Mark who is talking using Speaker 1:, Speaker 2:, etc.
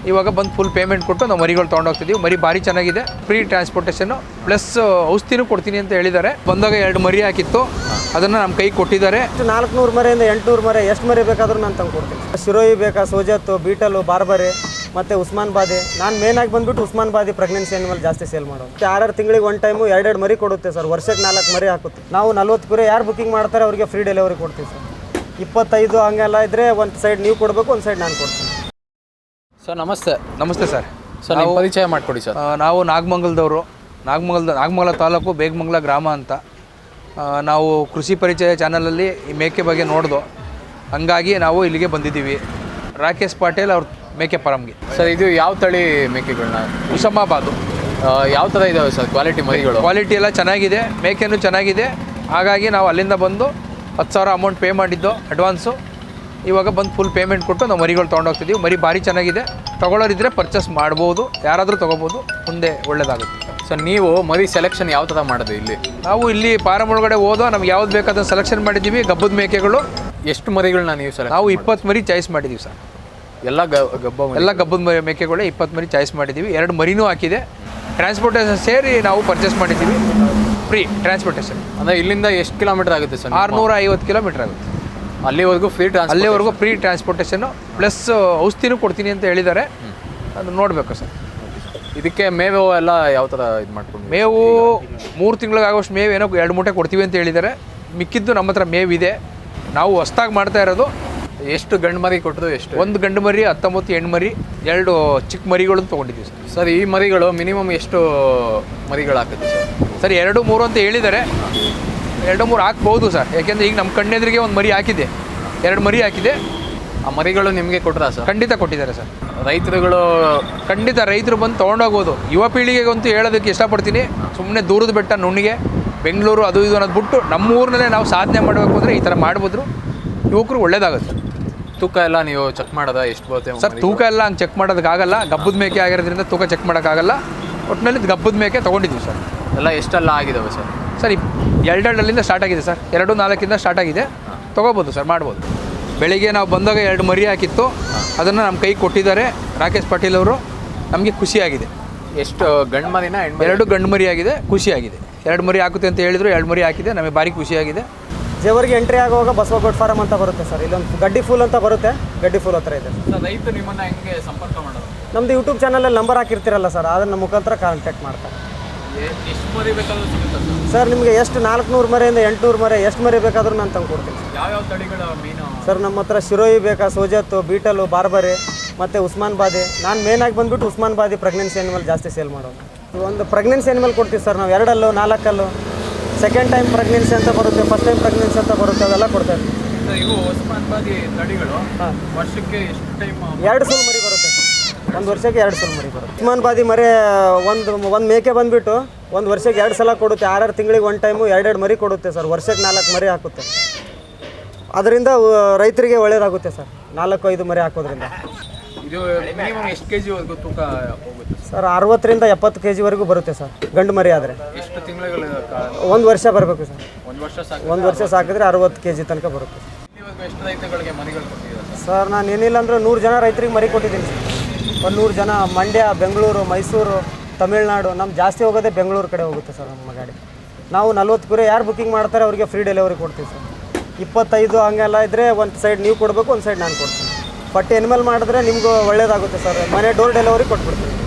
Speaker 1: ಇವಾಗ ಬಂದು full payment ಕೊಟ್ಟು ನಾವು ಮರಿಗಳು ತೊಗೊಂಡೋಗ್ತಿದ್ದೀವಿ. ಮರಿ ಭಾರಿ ಚೆನ್ನಾಗಿದೆ, ಫ್ರೀ ಟ್ರಾನ್ಸ್ಪೋರ್ಟೇಷನ್ನು ಪ್ಲಸ್ ಔಷಧಿನೂ ಕೊಡ್ತೀನಿ ಅಂತ ಹೇಳಿದ್ದಾರೆ. ಬಂದಾಗ 2 ಮರಿ ಹಾಕಿತ್ತು, ಅದನ್ನು ನಮ್ಮ ಕೈಗೆ ಕೊಟ್ಟಿದ್ದಾರೆ.
Speaker 2: 400 ಮರಿಯಿಂದ 800 ಮರಿ ಎಷ್ಟು ಮರಿ ಬೇಕಾದರೂ ನಾನು ತಂದು ಕೊಡ್ತೀನಿ. ಶಿರೋಯಿ ಬೇಕಾ, ಸೋಜತ್ತು, ಬೀಟಲು, ಬಾರ್ಬರಿ ಮತ್ತು ಉಸ್ಮಾನ್ ಬಾದಿ. ನಾನು ಮೇನಾಗಿ ಬಂದುಬಿಟ್ಟು ಉಸ್ಮಾನ್ ಬಾದಿ ಪ್ರೆಗ್ನೆನ್ಸಿ ಆನಿಮಲ್ ಜಾಸ್ತಿ ಸೇಲ್ ಮಾಡೋದು. 6 ತಿಂಗಳಿಗೆ ಒಂದು ಟೈಮು 2 ಮರಿ ಕೊಡುತ್ತೆ ಸರ್. ವರ್ಷಕ್ಕೆ 4 ಮರಿ ಹಾಕುತ್ತೆ. ನಾವು 40 ಕುರಿ ಯಾರು ಬುಕಿಂಗ್ ಮಾಡ್ತಾರೆ ಅವರಿಗೆ ಫ್ರೀ ಡೆಲಿವರಿ ಕೊಡ್ತೀವಿ ಸರ್. 25 ಹಂಗೆಲ್ಲ ಇದ್ದರೆ ಒಂದು ಸೈಡ್ ನೀವು ಕೊಡಬೇಕು, ಒಂದು ಸೈಡ್ ನಾನು ಕೊಡ್ತೀನಿ.
Speaker 3: ಸರ್ ನಮಸ್ತೆ.
Speaker 1: ನಮಸ್ತೆ ಸರ್.
Speaker 3: ಸರ್ ನಾವು ಪರಿಚಯ ಮಾಡಿಕೊಡಿ ಸರ್.
Speaker 1: ನಾವು ನಾಗಮಂಗಲದವರು, ನಾಗಮಂಗಲ ತಾಲೂಕು, ಬೇಗಮಂಗಲ ಗ್ರಾಮ ಅಂತ. ನಾವು ಕೃಷಿ ಪರಿಚಯ ಚಾನಲಲ್ಲಿ ಈ ಮೇಕೆ ಬಗ್ಗೆ ನೋಡ್ದು, ಹಂಗಾಗಿ ನಾವು ಇಲ್ಲಿಗೆ ಬಂದಿದ್ದೀವಿ. ರಾಕೇಶ್ ಪಾಟೀಲ್ ಅವ್ರ ಮೇಕೆ ಫಾರಮ್ಗೆ.
Speaker 3: ಸರ್ ಇದು ಯಾವ ತಳಿ ಮೇಕೆಗಳನ್ನ?
Speaker 1: ಉಸಮಾಬಾದು.
Speaker 3: ಯಾವ ಥರ ಇದ್ದಾವೆ ಸರ್ ಕ್ವಾಲಿಟಿ ಮರಿಗಳು?
Speaker 1: ಕ್ವಾಲಿಟಿ ಎಲ್ಲ ಚೆನ್ನಾಗಿದೆ, ಮೇಕೆನೂ ಚೆನ್ನಾಗಿದೆ. ಹಾಗಾಗಿ ನಾವು ಅಲ್ಲಿಂದ ಬಂದು 10,000 ಅಮೌಂಟ್ ಪೇ ಮಾಡಿದ್ದು ಅಡ್ವಾನ್ಸು. ಇವಾಗ ಬಂದು ಫುಲ್ ಪೇಮೆಂಟ್ ಕೊಟ್ಟು ನಾವು ಮರಿಗಳು ತೊಗೊಂಡೋಗ್ತಿದ್ದೀವಿ. ಮರಿ ಭಾರಿ ಚೆನ್ನಾಗಿದೆ, ತೊಗೊಳ್ಳೋರಿದ್ದರೆ ಪರ್ಚೇಸ್ ಮಾಡ್ಬೋದು, ಯಾರಾದರೂ ತೊಗೋಬೋದು, ಮುಂದೆ ಒಳ್ಳೆಯದಾಗುತ್ತೆ.
Speaker 3: ಸರ್ ನೀವು ಮರಿ ಸೆಲೆಕ್ಷನ್ ಯಾವ ಥರ ಮಾಡೋದು ಇಲ್ಲಿ?
Speaker 1: ನಾವು ಇಲ್ಲಿ ಫಾರಮ್ ಒಳಗಡೆ ಹೋದೋ ನಮ್ಗೆ ಯಾವ್ದು ಬೇಕಾದ ಸೆಲೆಕ್ಷನ್ ಮಾಡಿದ್ದೀವಿ. ಗಬ್ಬದ ಮೇಕೆಗಳು
Speaker 3: ಎಷ್ಟು ಮರಿಗಳನ್ನ ನೀವು ಸರ್?
Speaker 1: ನಾವು 20 ಮರಿ ಚಾಯ್ಸ್ ಮಾಡಿದ್ದೀವಿ ಸರ್.
Speaker 3: ಎಲ್ಲ
Speaker 1: ಗಬ್ಬದ ಮೇಕೆಗಳೇ 20 ಮರಿ ಚಾಯ್ಸ್ ಮಾಡಿದ್ದೀವಿ. 2 ಮರಿನೂ ಹಾಕಿದೆ. ಟ್ರಾನ್ಸ್ಪೋರ್ಟೇಷನ್ ಸೇರಿ ನಾವು ಪರ್ಚೇಸ್ ಮಾಡಿದ್ದೀವಿ, ಫ್ರೀ ಟ್ರಾನ್ಸ್ಪೋರ್ಟೇಷನ್.
Speaker 3: ಅಂದರೆ ಇಲ್ಲಿಂದ ಎಷ್ಟು ಕಿಲೋಮೀಟರ್ ಆಗುತ್ತೆ ಸರ್?
Speaker 1: 650 ಕಿಲೋಮೀಟರ್ ಆಗುತ್ತೆ.
Speaker 3: ಅಲ್ಲಿವರೆಗೂ ಫ್ರೀ
Speaker 1: ಟ್ರಾನ್ಸ್ಪೋರ್ಟೇಷನ್ನು ಪ್ಲಸ್ ಔಷಧಿನೂ ಕೊಡ್ತೀನಿ ಅಂತ ಹೇಳಿದ್ದಾರೆ. ಅದು ನೋಡಬೇಕು ಸರ್.
Speaker 3: ಇದಕ್ಕೆ ಮೇವು ಎಲ್ಲ ಯಾವ ಥರ ಇದು ಮಾಡ್ಕೊಂಡು?
Speaker 1: ಮೇವು 3 ತಿಂಗಳಿಗಾಗೋಷ್ಟು ಮೇವು ಏನೋ 2 ಮೂಟೆ ಕೊಡ್ತೀವಿ ಅಂತ ಹೇಳಿದ್ದಾರೆ. ಮಿಕ್ಕಿದ್ದು ನಮ್ಮ ಹತ್ರ ಮೇವಿದೆ. ನಾವು ಹೊಸ್ದಾಗಿ ಮಾಡ್ತಾ ಇರೋದು.
Speaker 3: ಎಷ್ಟು ಗಂಡು ಮರಿ ಕೊಟ್ಟರು? ಎಷ್ಟು?
Speaker 1: 1 ಗಂಡು ಮರಿ, 19 ಹೆಣ್ಣು ಮರಿ, 2 ಚಿಕ್ಕ ಮರಿಗಳನ್ನು ತೊಗೊಂಡಿದ್ದೀವಿ ಸರ್.
Speaker 3: ಸರ್ ಈ ಮರಿಗಳು ಮಿನಿಮಮ್ ಎಷ್ಟು ಮರಿಗಳು ಹಾಕುತ್ತೆ ಸರ್?
Speaker 1: ಸರ್ 2-3 ಅಂತ ಹೇಳಿದ್ದಾರೆ. 2-3 ಹಾಕ್ಬೋದು ಸರ್. ಯಾಕೆಂದರೆ ಈಗ ನಮ್ಮ ಕಣ್ಣೆದುರಿಗೆ 1 ಮರಿ ಹಾಕಿದೆ, 2 ಮರಿ ಹಾಕಿದೆ.
Speaker 3: ಆ ಮರಿಗಳು ನಿಮಗೆ ಕೊಟ್ಟರಾ ಸರ್?
Speaker 1: ಖಂಡಿತ ಕೊಟ್ಟಿದ್ದಾರೆ ಸರ್.
Speaker 3: ರೈತರುಗಳು
Speaker 1: ಖಂಡಿತ ರೈತರು ಬಂದು ತೊಗೊಂಡೋಗ್ಬೋದು. ಯುವ ಪೀಳಿಗೆಗಂತೂ ಹೇಳೋದಕ್ಕೆ ಇಷ್ಟಪಡ್ತೀನಿ. ಸುಮ್ಮನೆ ದೂರದ ಬೆಟ್ಟ, ನುಣ್ಣಿಗೆ, ಬೆಂಗಳೂರು ಅದು ಇದು ಅನ್ನೋದು ಬಿಟ್ಟು ನಮ್ಮ ಊರಿನಲ್ಲೇ ನಾವು ಸಾಧನೆ ಮಾಡಬೇಕು ಅಂದರೆ ಈ ಥರ ಮಾಡ್ಬೋದ್ರು ಯುವಕರು ಒಳ್ಳೇದಾಗುತ್ತೆ.
Speaker 3: ತೂಕ ಎಲ್ಲ ನೀವು ಚೆಕ್ ಮಾಡೋದಾ? ಎಷ್ಟು ಬರುತ್ತೆ
Speaker 1: ಸರ್? ತೂಕ ಎಲ್ಲ ಹಂಗೆ ಚೆಕ್ ಮಾಡೋದಕ್ಕಾಗಲ್ಲ. ಗಬ್ಬದ ಮೇಕೆ ಆಗಿರೋದ್ರಿಂದ ತೂಕ ಚೆಕ್ ಮಾಡೋಕ್ಕಾಗಲ್ಲ. ಒಟ್ಟಿನಲ್ಲಿ ಗಬ್ಬದ ಮೇಕೆ ತೊಗೊಂಡಿದ್ದೀವಿ ಸರ್.
Speaker 3: ಎಲ್ಲ ಎಷ್ಟೆಲ್ಲ ಆಗಿದ್ದಾವೆ ಸರ್?
Speaker 1: ಸರ್ 2 ಸ್ಟಾರ್ಟ್ ಆಗಿದೆ ಸರ್. 2-4 ಸ್ಟಾರ್ಟ್ ಆಗಿದೆ. ತೊಗೋಬೋದು ಸರ್, ಮಾಡ್ಬೋದು. ಬೆಳಿಗ್ಗೆ ನಾವು ಬಂದಾಗ 2 ಮರಿ ಹಾಕಿತ್ತು, ಅದನ್ನು ನಮ್ಮ ಕೈಗೆ ಕೊಟ್ಟಿದ್ದಾರೆ ರಾಕೇಶ್ ಪಾಟೀಲ್ ಅವರು. ನಮಗೆ ಖುಷಿಯಾಗಿದೆ.
Speaker 3: ಎಷ್ಟು ಗಂಡು ಮರಿನ?
Speaker 1: 2 ಗಂಡು ಮರಿ ಆಗಿದೆ, ಖುಷಿಯಾಗಿದೆ. 2 ಮರಿ ಹಾಕುತ್ತೆ ಅಂತ ಹೇಳಿದ್ರು, 2 ಮರಿ ಹಾಕಿದೆ. ನಮಗೆ ಭಾರಿ ಖುಷಿಯಾಗಿದೆ.
Speaker 2: ಜೇವರ್ಗೆ ಎಂಟ್ರಿ ಆಗುವಾಗ ಬಸವಗೋಡ್ ಫಾರಮ್ ಅಂತ ಬರುತ್ತೆ ಸರ್. ಇಲ್ಲೊಂದು ಗಡ್ಡಿ ಫೂಲ್ ಅಂತ ಬರುತ್ತೆ, ಗಡ್ಡಿ ಫೂಲ್ ಹತ್ರ ಇದೆ
Speaker 3: ಸರ್. ರೈತರು ನಿಮ್ಮನ್ನು ಹೆಂಗೆ ಸಂಪರ್ಕ ಮಾಡೋದು?
Speaker 2: ನಮ್ಮದು ಯೂಟ್ಯೂಬ್ ಚಾನಲಲ್ಲಿ ನಂಬರ್ ಹಾಕಿರ್ತೀರಲ್ಲ ಸರ್, ಅದನ್ನು ಮುಖಾಂತರ ಕಾಂಟ್ಯಾಕ್ಟ್ ಮಾಡ್ತಾರೆ.
Speaker 3: ಎಷ್ಟು ಮರಿ ಬೇಕಾದರೂ ಸಿಗುತ್ತೆ
Speaker 2: ಸರ್? ನಿಮಗೆ ಎಷ್ಟು 400 ಮರಿಯಿಂದ 800 ಮರಿ ಎಷ್ಟು ಮರಿ ಬೇಕಾದರೂ ನಾನು ತಂದು ಕೊಡ್ತೀನಿ.
Speaker 3: ಯಾವ್ಯಾವ ತಳಿಗಳ ಮೀನು
Speaker 2: ಸರ್? ನಮ್ಮ ಹತ್ರ ಶಿರೋಯಿ ಬೇಕಾ, ಸೋಜತ್ತು, ಬೀಟಲು, ಬಾರ್ಬರಿ ಮತ್ತು ಉಸ್ಮಾನ್ ಬಾದಿ. ನಾನು ಮೇನಾಗಿ ಬಂದುಬಿಟ್ಟು ಉಸ್ಮಾನ್ ಬಾದಿ ಪ್ರೆಗ್ನೆನ್ಸಿ ಆನಿಮಲ್ ಜಾಸ್ತಿ ಸೇಲ್ ಮಾಡೋದು. ಒಂದು ಪ್ರೆಗ್ನೆನ್ಸಿ ಆನಿಮಲ್ ಕೊಡ್ತೀವಿ ಸರ್ ನಾವು. 2 4 ಸೆಕೆಂಡ್ ಟೈಮ್ ಪ್ರೆಗ್ನೆನ್ಸಿ ಅಂತ ಬರುತ್ತೆ, ಫಸ್ಟ್ ಟೈಮ್ ಪ್ರೆಗ್ನೆನ್ಸಿ ಅಂತ ಬರುತ್ತೆ, ಅವೆಲ್ಲ ಕೊಡ್ತಾ ಇರ್ತೀವಿ.
Speaker 3: ಇವು ಉಸ್ಮಾನ್ ಬಾದಿ ತಳಿಗಳು ವರ್ಷಕ್ಕೆ ಎಷ್ಟು ಟೈಮ್?
Speaker 2: 2 ಸಲ ಮರಿ ಬರುತ್ತೆ ಸರ್. 1 ವರ್ಷಕ್ಕೆ 2 ಸಲ ಮರಿ ಬರುತ್ತೆ. ಉಸ್ಮಾನ್ ಬಾದಿ ಮರಿ ಒಂದು ಮೇಕೆ ಬಂದುಬಿಟ್ಟು 1 ವರ್ಷಕ್ಕೆ 2 ಸಲ ಕೊಡುತ್ತೆ. 6 ತಿಂಗಳಿಗೆ ಒಂದು ಟೈಮು 2 ಮರಿ ಕೊಡುತ್ತೆ ಸರ್. ವರ್ಷಕ್ಕೆ 4 ಮರಿ ಹಾಕುತ್ತೆ. ಅದರಿಂದ ರೈತರಿಗೆ ಒಳ್ಳೆಯದಾಗುತ್ತೆ ಸರ್, 4-5 ಮರಿ ಹಾಕೋದ್ರಿಂದ.
Speaker 3: ಇದು ಮಿನಿಮಮ್ ಎಷ್ಟು ಕೆ ಜಿವರೆಗೂ ತೂಕ ಹೋಗುತ್ತೆ
Speaker 2: ಸರ್? 60ರಿಂದ 70 kg ಬರುತ್ತೆ ಸರ್ ಗಂಡು ಮರಿ ಆದರೆ.
Speaker 3: ಎಷ್ಟು ತಿಂಗಳು?
Speaker 2: 1 ವರ್ಷ ಬರಬೇಕು ಸರ್.
Speaker 3: 1 ವರ್ಷ ಸಾಕು.
Speaker 2: 1 ವರ್ಷ ಸಾಕಿದ್ರೆ 60 kg ತನಕ ಬರುತ್ತೆ.
Speaker 3: ಎಷ್ಟು ರೈತಗಳಿಗೆ ಮರಿಗಳು ಕೊಟ್ಟಿದ್ದೀರಾ
Speaker 2: ಸರ್? ನಾನು ಏನಿಲ್ಲ ಅಂದರೆ 100 ಜನ ರೈತರಿಗೆ ಮರಿ ಕೊಟ್ಟಿದ್ದೀನಿ ಸರ್. ಒಂದು 100 ಜನ. ಮಂಡ್ಯ, ಬೆಂಗಳೂರು, ಮೈಸೂರು, ತಮಿಳ್ನಾಡು. ನಮ್ಮ ಜಾಸ್ತಿ ಹೋಗೋದೇ ಬೆಂಗಳೂರು ಕಡೆ ಹೋಗುತ್ತೆ ಸರ್ ನಮ್ಮ ಗಾಡಿ. ನಾವು 40 ಕುರಿ ಯಾರು ಬುಕಿಂಗ್ ಮಾಡ್ತಾರೆ ಅವರಿಗೆ ಫ್ರೀ ಡೆಲಿವರಿ ಕೊಡ್ತೀವಿ ಸರ್. 25 ಹಂಗೆಲ್ಲ ಇದ್ದರೆ ಒಂದು ಸೈಡ್ ನೀವು ಕೊಡಬೇಕು, ಒಂದು ಸೈಡ್ ನಾನು ಕೊಡ್ತೀನಿ. ಬಟ್ ಎನಿಮಲ್ ಮಾಡಿದ್ರೆ ನಿಮಗೂ ಒಳ್ಳೇದಾಗುತ್ತೆ ಸರ್. ಮನೆ ಡೋರ್ ಡೆಲಿವರಿ ಕೊಟ್ಬಿಡ್ತೀವಿ.